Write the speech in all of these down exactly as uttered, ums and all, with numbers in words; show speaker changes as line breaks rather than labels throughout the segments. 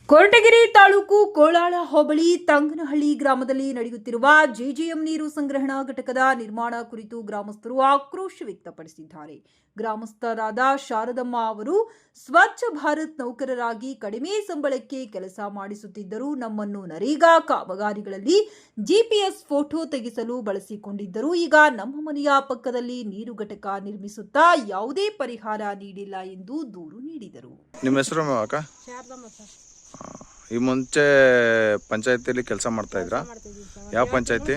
ಕೊರಟಗೆರೆ ತಾಲೂಕು ಕೋಳಾಳ ಹೋಬಳಿ ತಂಗನಹಳ್ಳಿ ಗ್ರಾಮದಲ್ಲಿ ನಡೆಯುತ್ತಿರುವ ಜೆಜೆಎಂ ನೀರು ಸಂಗ್ರಹಣಾ ಘಟಕದ ನಿರ್ಮಾಣ ಕುರಿತು ಗ್ರಾಮಸ್ಥರು ಆಕ್ರೋಶ ವ್ಯಕ್ತಪಡಿಸಿದ್ದಾರೆ. ಗ್ರಾಮಸ್ಥರಾದ ಶಾರದಮ್ಮ ಅವರು ಸ್ವಚ್ಛ ಭಾರತ್ ನೌಕರರಾಗಿ ಕಡಿಮೆ ಸಂಬಳಕ್ಕೆ ಕೆಲಸ ಮಾಡಿಸುತ್ತಿದ್ದರು. ನಮ್ಮನ್ನು ನರೇಗಾ ಕಾಮಗಾರಿಗಳಲ್ಲಿ ಜಿಪಿಎಸ್ ಫೋಟೋ ತೆಗೆಸಲು ಬಳಸಿಕೊಂಡಿದ್ದರು. ಈಗ ನಮ್ಮ ಮನೆಯ ಪಕ್ಕದಲ್ಲಿ ನೀರು ಘಟಕ ನಿರ್ಮಿಸುತ್ತಾ ಯಾವುದೇ ಪರಿಹಾರ ನೀಡಿಲ್ಲ ಎಂದು ದೂರು ನೀಡಿದರು.
ನಿಮ್ಮ ಹೆಸರು ಅಕ್ಕ? ಈ ಮುಂಚೆ ಪಂಚಾಯತಿಯಲ್ಲಿ ಕೆಲಸ ಮಾಡ್ತಾ ಇದ್ರಾ? ಯಾವ ಪಂಚಾಯತಿ?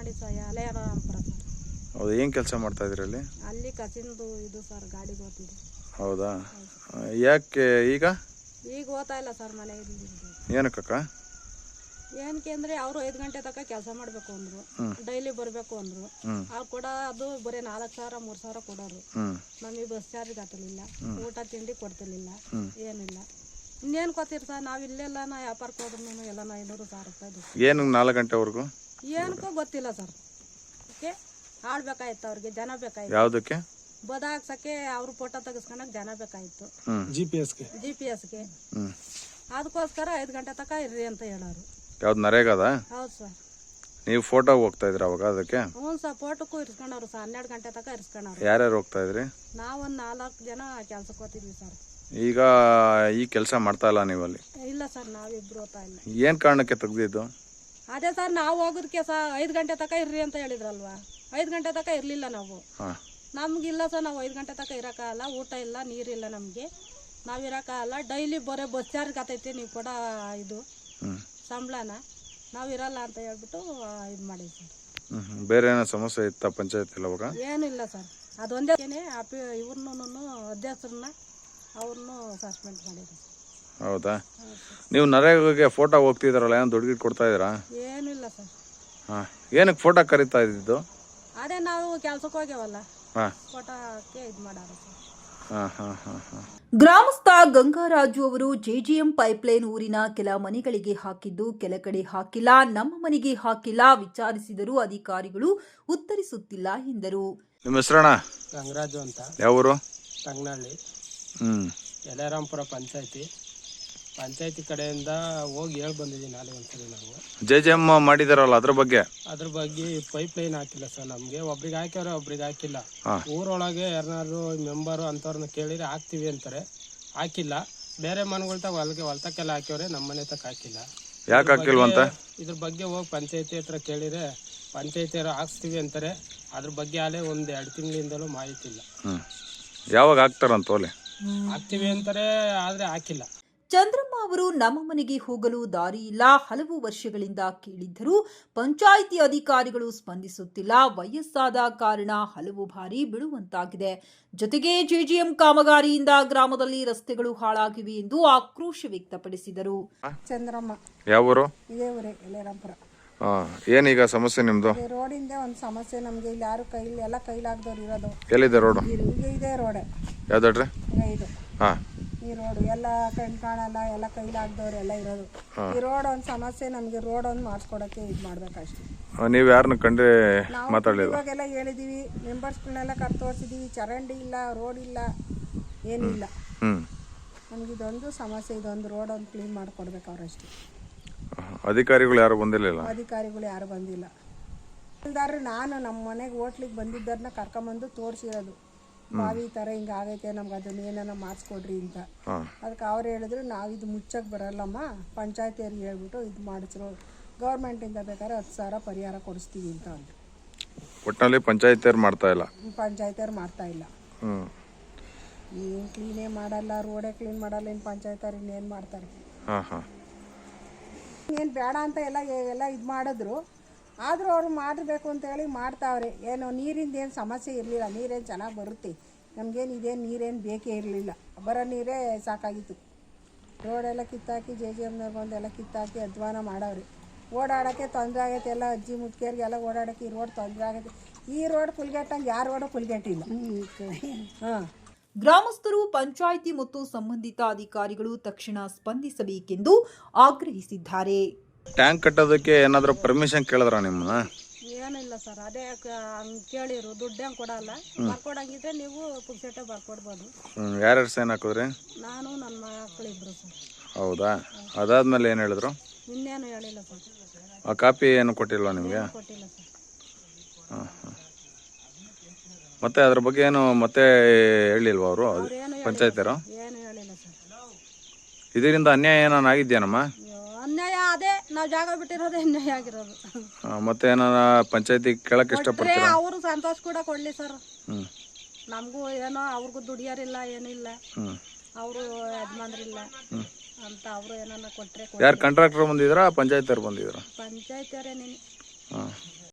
ಹೌದು, ಏನ್ ಕೆಲಸ ಮಾಡ್ತಾ ಇದ್ರಿ ಅಲ್ಲಿ?
ಅಲ್ಲಿ ಕಸಿಂದು ಇದು ಸರ್, ಗಾಡಿ ಹೋಗ್ತಿದೆ.
ಹೌದಾ? ಯಾಕೆ ಈಗ
ಈಗ ಹೋಗ್ತಾ ಇಲ್ಲ ಸರ್ ಮನೆ?
ಏನಕ್ಕ?
ಏನಕ್ಕೆ ಅಂದ್ರೆ ಅವರು ಐದು ಗಂಟೆ ತನಕ ಕೆಲಸ ಮಾಡ್ಬೇಕು ಅಂದ್ರು, ಡೈಲಿ ಬರ್ಬೇಕು ಅಂದ್ರು. ಅವ್ರು ಕೂಡ ಅದು ಬರೀ ನಾಲ್ಕು ಸಾವಿರ ಮೂರ್ ಸಾವಿರ ಕೊಡೋರು. ನಮಗೆ ಬಸ್ ಚಾರ್ಜ್ ಕಟ್ಟಲಿಲ್ಲ, ಊಟ ತಿಂಡಿ ಕೊಡ್ತಿರ್ಲಿಲ್ಲ, ಏನಿಲ್ಲ. ಇನ್ನೇನು ಕೊಡ್ತೀರಿ ಸರ್? ನಾವು ಇಲ್ಲೆಲ್ಲ ನಾ ವ್ಯಾಪಾರಕ್ಕೆ ಹೋದ್ರು ಎಲ್ಲ ಐನೂರು ಸಾವಿರ ರೂಪಾಯಿ.
ಏನು ನಾಲ್ಕು ಗಂಟೆವರೆಗೂ
ಏನಕ್ಕೂ ಗೊತ್ತಿಲ್ಲ ಸರ್. ಓಕೆ, ಆಡ್ಬೇಕಾಯ್ತು ಅವ್ರಿಗೆ, ಜನ ಬೇಕಾಯ್ತು.
ಯಾವುದಕ್ಕೆ?
ಬದಾಕ್ಸಕ್ಕೆ ಅವ್ರು ಫೋಟೋ ತೆಗಿಸ್ಕೊಳಕ್ ಜನ ಬೇಕಾಯ್ತು,
ಜಿ ಪಿ ಎಸ್ಗೆ
ಜಿ ಪಿ ಎಸ್ಗೆ. ಅದಕ್ಕೋಸ್ಕರ ಐದು ಗಂಟೆ ತನಕ ಇರ್ರಿ ಅಂತ ಹೇಳೋರು.
ಯಾವ್ದು ನರೇಗಾದ?
ಹೌದು ಸರ್.
ನೀವು ಫೋಟೋ ಹೋಗ್ತಾ ಇದ್ರ ಅವಾಗ? ಅದಕ್ಕೆ
ಹ್ಞೂ ಸರ್, ಫೋಟೋಕ್ಕೂ ಇರ್ಸ್ಕೊಂಡವ್ರು ಸರ್. ಹನ್ನೆರಡು ಗಂಟೆ ತನಕ ಇರ್ಸ್ಕೊಂಡವ್ರು.
ಯಾರ್ಯಾರು ಹೋಗ್ತಾ ಇದ್ರಿ?
ನಾವೊಂದು ನಾಲ್ಕು ಜನ ಕೆಲ್ಸಕ್ಕೆ ಹೋಗ್ತಿದ್ವಿ ಸರ್.
ಈಗ ಈ ಕೆಲಸ ಮಾಡ್ತಾ ಇಲ್ಲ ನೀವಲ್ಲಿ?
ಇಲ್ಲ ಸರ್, ನಾವಿಬ್ರು ಹೋಗ್ತಾ ಇಲ್ಲ.
ಏನ್ ಕಾರಣಕ್ಕೆ ತೆಗ್ದಿದ್ದು?
ಅದೇ ಸರ್, ನಾವು ಹೋಗೋದಕ್ಕೆ ಸರ್ ಐದು ಗಂಟೆ ತನಕ ಇರ್ರಿ ಅಂತ ಹೇಳಿದ್ರಲ್ವಾ. ಐದು ಗಂಟೆ ತನಕ ಇರ್ಲಿಲ್ಲ ನಾವು. ನಮ್ಗಿಲ್ಲ ಸರ್, ನಾವು ಐದು ಗಂಟೆ ತನಕ ಇರೋಕ್ಕಾಗಲ್ಲ. ಊಟ ಇಲ್ಲ, ನೀರಿಲ್ಲ, ನಮಗೆ ನಾವು ಇರೋಕ್ಕಾಗಲ್ಲ. ಡೈಲಿ ಬರೋ ಬಸ್ ಚಾರ್ಜ್ ಆತೈತಿ, ನೀವು ಕೂಡ ಇದು ಸಂಬಳನ ನಾವು ಇರಲ್ಲ ಅಂತ ಹೇಳ್ಬಿಟ್ಟು ಇದು ಮಾಡಿದ್ವಿ ಸರ್.
ಬೇರೆ ಏನೋ ಸಮಸ್ಯೆ ಇತ್ತ ಪಂಚಾಯತ್? ಅವಾಗ
ಏನೂ ಇಲ್ಲ ಸರ್. ಅದೊಂದೇ ಅಪಿ ಇವ್ರನ್ನೂ ಅಧ್ಯಕ್ಷರನ್ನ ಅವ್ರನ್ನೂ ಸಸ್ಪೆಂಡ್ ಮಾಡಿದ್ರು.
ಹೌದಾ? ನೀವು ನರೇಗಾಗೆ ಫೋಟೋ ಹೋಗ್ತಿದಾರಲ್ಲ, ಏನು ದುಡ್ಡು ಕೊಡ್ತಾ ಇದ್ದೀರಾ?
ಏನೂ ಇಲ್ಲ ಸರ್.
ಹಾಂ, ಏನಕ್ಕೆ ಫೋಟೋ ಕರೀತಾ ಇದ್ದಿದ್ದು?
ಅದೇ ನಾವು ಕೆಲ್ಸಕ್ಕೆ ಹೋಗ್ಯವಲ್ಲ, ಫೋಟೋಕ್ಕೆ ಇದು ಮಾಡಾರ ಸರ್.
ಗ್ರಾಮಸ್ಥ ಗಂಗಾರಾಜು ಅವರು ಜೆಜೆಎಂ ಪೈಪ್ಲೈನ್ ಊರಿನ ಕೆಲ ಮನೆಗಳಿಗೆ ಹಾಕಿದ್ದು ಕೆಲ ಕಡೆ ಹಾಕಿಲ್ಲ, ನಮ್ಮ ಮನೆಗೆ ಹಾಕಿಲ್ಲ. ವಿಚಾರಿಸಿದರೂ ಅಧಿಕಾರಿಗಳು ಉತ್ತರಿಸುತ್ತಿಲ್ಲ ಎಂದರು.
ನಿಮ್ಮ ಹೆಸರಣ್ಣ?
ಗಂಗರಾಜು ಅಂತ.
ಯಾವೂರು?
ತಂಗನಹಳ್ಳಿ,
ಹ್ಮ್
ಯಲ್ಲಾರಾಂಪುರ ಪಂಚಾಯತಿ. ಪಂಚಾಯತಿ ಕಡೆಯಿಂದ ಹೋಗಿ ಹೇಳಿ ಬಂದಿದ್ದೀವಿ ನಾಳೆ ಒಂದ್ಸರಿ. ನಾವು
ಜೆ ಜೆ ಎಂ ಮಾಡಿದಾರಲ್ಲ, ಅದ್ರ ಬಗ್ಗೆ
ಅದ್ರ ಬಗ್ಗೆ ಪೈಪ್ ಲೈನ್ ಹಾಕಿಲ್ಲ ಸರ್. ನಮ್ಗೆ ಒಬ್ರಿಗೆ ಹಾಕ್ಯವ್ರೆ, ಒಬ್ರಿಗೆ ಹಾಕಿಲ್ಲ. ಊರೊಳಗೆ ಯಾರನ್ನಾರು ಮೆಂಬರು ಅಂತವ್ರನ್ನ ಕೇಳಿದ್ರೆ ಹಾಕ್ತಿವಿ ಅಂತಾರೆ, ಹಾಕಿಲ್ಲ. ಬೇರೆ ಮನೆಗಳ ತಗ ಹೊಲಗೆ ಹೊಲ್ತಕ್ಕೆಲ್ಲ ಹಾಕ್ಯವ್ರೆ, ನಮ್ಮ ಮನೆ ತಕ್ಕ ಹಾಕಿಲ್ಲ.
ಯಾಕೆ ಹಾಕಿಲ್ವಂತ?
ಇದ್ರ ಬಗ್ಗೆ ಹೋಗಿ ಪಂಚಾಯತಿ ಹತ್ರ ಕೇಳಿದ್ರೆ ಪಂಚಾಯತಿಯವರು ಹಾಕ್ಸ್ತೀವಿ ಅಂತಾರೆ. ಅದ್ರ ಬಗ್ಗೆ ಅಲ್ಲೇ ಒಂದ್ ಎರಡು ತಿಂಗಳಿಂದಲೂ ಮಾಹಿತಿ ಇಲ್ಲ.
ಹ್ಮ್ ಯಾವಾಗ ಹಾಕ್ತಾರಂತ? ಓಲೆ
ಹಾಕ್ತಿವಿ ಅಂತಾರೆ, ಆದ್ರೆ ಹಾಕಿಲ್ಲ.
ಚಂದ್ರಮ್ಮ ಅವರು ನಮ್ಮ ಮನೆಗೆ ಹೋಗಲು ದಾರಿ ಇಲ್ಲ, ಹಲವು ವರ್ಷಗಳಿಂದ ಕೇಳಿದ್ದರೂ ಪಂಚಾಯಿತಿ ಅಧಿಕಾರಿಗಳು ಸ್ಪಂದಿಸುತ್ತಿಲ್ಲ. ವಯಸ್ಸಾದ ಕಾರಣ ಹಲವು ಬಾರಿ ಬಿಡುವಂತಾಗಿದೆ. ಜೊತೆಗೆ ಜೆಜೆಎಂ ಕಾಮಗಾರಿಯಿಂದ ಗ್ರಾಮದಲ್ಲಿ ರಸ್ತೆಗಳು ಹಾಳಾಗಿವೆ ಎಂದು ಆಕ್ರೋಶ ವ್ಯಕ್ತಪಡಿಸಿದರು.
ಚಂದ್ರಮ್ಮ.
ಯಾವ ಊರು?
ಇದೇ ಊರೇ, ಯಲ್ಲಾರಾಂಪುರ.
ಏನೀಗ ಸಮಸ್ಯೆ ನಿಮ್ದು?
ರೋಡಿಂದ ಒಂದು ಸಮಸ್ಯೆ ನಮ್ಗೆ. ಇಲ್ಲಿ ಯಾರು ಕೈಲಿ ಎಲ್ಲ ಕೈಲಾಗ್ದವ್ರು ಇರೋದು.
ಎಲ್ಲಿದೆ ರೋಡ್?
ಈಗ ಇದೆ ರೋಡ್.
ಯಾವ್ದಾಡ್ರಿ?
ಇದು ಈ ರೋಡ್ ಎಲ್ಲ ಕಣ್ ಕಾಣಲ್ಲ, ಎಲ್ಲ ಕೈಲಾಗ್ದವ್ರು ಎಲ್ಲ ಇರೋದು. ಈ ರೋಡ್ ಒಂದು ಸಮಸ್ಯೆ ನಮ್ಗೆ. ರೋಡ್ ಒಂದು ಮಾಡಿಸ್ಕೊಡಕ್ಕೆ ಇದು ಮಾಡ್ಬೇಕಷ್ಟೇ.
ನೀವು ಯಾರನ್ನ ಕಂಡ್ರೆ ಮಾತಾಡಲಿಲ್ಲ?
ಇವಾಗೆಲ್ಲ ಹೇಳಿದೀವಿ, ಮೆಂಬರ್ಸ್ಗಳನ್ನೆಲ್ಲ ಕರ್ ತೋರಿಸಿದೀವಿ. ಚರಂಡಿ ಇಲ್ಲ, ರೋಡ್ ಇಲ್ಲ, ಏನಿಲ್ಲ. ನಮ್ಗೆ ಇದೊಂದು ಸಮಸ್ಯೆ. ಇದೊಂದು ರೋಡ್ ಒಂದು ಕ್ಲೀನ್ ಮಾಡ್ಕೊಡ್ಬೇಕು ಅವ್ರಷ್ಟೇ.
ಅಧಿಕಾರಿಗಳು ಯಾರು ಬಂದಿಲ್ಲ?
ಅಧಿಕಾರಿಗಳು ಯಾರು ಬಂದಿಲ್ಲ. ಇಲ್ದಾರೆ ನಾನು ನಮ್ಮ ಮನೆಗೆ ಹೋಟ್ಲಿಗೆ ಬಂದಿದ್ದರನ್ನ ಕರ್ಕೊಂಬಂದು ತೋರಿಸಿರೋದು. ಬಾವಿ ಈ ಥರ ಹಿಂಗೆ ಆಗೈತೆ, ನಮ್ಗೆ ಅದನ್ನ ಏನಾರ ಮಾಡಿಸ್ಕೊಡ್ರಿ ಅಂತ. ಅದಕ್ಕೆ ಅವ್ರು ಹೇಳಿದ್ರು, ನಾವು ಇದು ಮುಚ್ಚಕ್ಕೆ ಬರಲ್ಲಮ್ಮ, ಪಂಚಾಯತಿಯವ್ರಿಗೆ ಹೇಳ್ಬಿಟ್ಟು ಇದು ಮಾಡಿಸ್ರು, ಗೌರ್ಮೆಂಟಿಂದ ಬೇಕಾದ್ರೆ ಹತ್ತು ಸಾವಿರ ಪರಿಹಾರ ಕೊಡಿಸ್ತೀವಿ ಅಂತ ಅಂದರು.
ಒಟ್ಟಿನಲ್ಲಿ ಪಂಚಾಯತಿಯವ್ರು ಮಾಡ್ತಾ ಇಲ್ಲ?
ಪಂಚಾಯತಿಯವ್ರು ಮಾಡ್ತಾ ಇಲ್ಲ. ಏನು ಕ್ಲೀನೇ ಮಾಡಲ್ಲ, ರೋಡೇ ಕ್ಲೀನ್ ಮಾಡಲ್ಲ. ಇನ್ನು ಪಂಚಾಯತಿಯವ್ರು ಇನ್ನೇನು ಮಾಡ್ತಾರೆ? ಏನು ಬೇಡ ಅಂತ ಎಲ್ಲ ಎಲ್ಲ ಇದು ಮಾಡಿದ್ರು. ಆದರೂ ಅವ್ರು ಮಾಡಬೇಕು ಅಂತೇಳಿ ಮಾಡ್ತಾವ್ರೆ. ಏನು ನೀರಿಂದ ಏನು ಸಮಸ್ಯೆ ಇರಲಿಲ್ಲ, ನೀರೇನು ಚೆನ್ನಾಗಿ ಬರುತ್ತೆ ನಮಗೇನು. ಇದೇನು ನೀರೇನು ಬೇಕೇ ಇರಲಿಲ್ಲ, ಬರೋ ನೀರೇ ಸಾಕಾಗಿತ್ತು. ರೋಡೆಲ್ಲ ಕಿತ್ತಾಕಿ ಜೆ ಜೆ ಎಮ್ನವ್ರು ಬಂದೆಲ್ಲ ಕಿತ್ತಾಕಿ ಅಧ್ವಾನ ಮಾಡವ್ರೆ. ಓಡಾಡೋಕ್ಕೆ ತೊಂದರೆ ಆಗೈತೆ. ಎಲ್ಲ ಅಜ್ಜಿ ಮುದುಕಿಯರಿಗೆಲ್ಲ ಓಡಾಡೋಕ್ಕೆ ಈ ರೋಡ್ ತೊಂದರೆ ಆಗೈತೆ. ಈ ರೋಡ್ ಕುಲ್ಗೆಟ್ಟಂಗೆ ಯಾರು ರೋಡು ಕುಲ್ಗೆಟ್ಟಿಲ್ಲ. ಹಾಂ,
ಗ್ರಾಮಸ್ಥರು ಪಂಚಾಯಿತಿ ಮತ್ತು ಸಂಬಂಧಿತ ಅಧಿಕಾರಿಗಳು ತಕ್ಷಣ ಸ್ಪಂದಿಸಬೇಕೆಂದು ಆಗ್ರಹಿಸಿದ್ದಾರೆ.
ಟ್ಯಾಂಕ್ ಕಟ್ಟೋದಕ್ಕೆ ಏನಾದರೂ ಪರ್ಮಿಷನ್ ಕೇಳಿದ್ರ ನಿಮ್ಮನ್ನ?
ಏನಿಲ್ಲ ಸರ್. ಅದೇ ಹಂಗೆ ಕೇಳಿರು, ದುಡ್ಡು ಹೆಂಗೆ ಕೊಡಲ್ಲ. ಬರ್ಕೊಡಂಗಿದ್ರೆ ನೀವು ಪುಕ್ಸೆಟ್ಟೆ ಬರ್ಕೊಡ್ಬೋದು.
ಯಾರ್ಯಾರು ಸೈನ್ ಹಾಕಿದ್ರಿ?
ನಾನು ನನ್ನ ಮಕ್ಕಳಿಬ್ರು ಸರ್.
ಹೌದಾ? ಅದಾದ್ಮೇಲೆ ಏನು ಹೇಳಿದ್ರು?
ಇನ್ನೇನು ಹೇಳಿಲ್ಲ ಸರ್.
ಆ ಕಾಪಿ ಏನು ಕೊಟ್ಟಿಲ್ವಾ ನಿಮಗೆ?
ಕೊಟ್ಟಿಲ್ಲ ಸರ್.
ಹಾಂ ಹಾಂ. ಮತ್ತೆ ಅದ್ರ ಬಗ್ಗೆ ಏನು ಮತ್ತೆ ಹೇಳಿಲ್ವಾ ಅವರು
ಅವ್ರೇನು
ಪಂಚಾಯತಿಯರು?
ಏನು ಹೇಳಿಲ್ಲ ಸರ್.
ಇದರಿಂದ ಅನ್ಯಾಯ ಏನಾನ ಆಗಿದ್ಯಾನಮ್ಮ?
ಅಯ್ಯೋ, ಅನ್ಯಾಯ ಅದೇ ನಾವು ಜಾಗ ಬಿಟ್ಟಿರೋದೇ ಅನ್ಯಾಯ ಆಗಿರೋದು.
ಆ, ಮತ್ತೆ ಏನಾನ ಪಂಚಾಯತಿ ಕೇಳಕ್ ಇಷ್ಟಪಡ್ತೀರಾ?
ಅವರು ಸಂತೋಷ ಕೂಡ ಕೊಡ್ಲಿ ಸರ್.
ಹ್ಞೂ
ನಮಗೂ ಏನೋ ಅವ್ರಿಗೂ ದುಡಿಯೋರಿಲ್ಲ ಏನಿಲ್ಲ,
ಹ್ಞೂ
ಅವರು ಯಜಮಾನ್ರಿಲ್ಲ ಅಂತ ಅವರು ಏನಾನ ಕೊಟ್ಟರೆ
ಯಾರು ಕಾಂಟ್ರಾಕ್ಟರ್ ಬಂದಿದ್ರಾ ಪಂಚಾಯತಿಯವ್ರು ಬಂದಿದ್ರಾ?
ಪಂಚಾಯತಿಯವರೇ ನೀನು
ಹಾಂ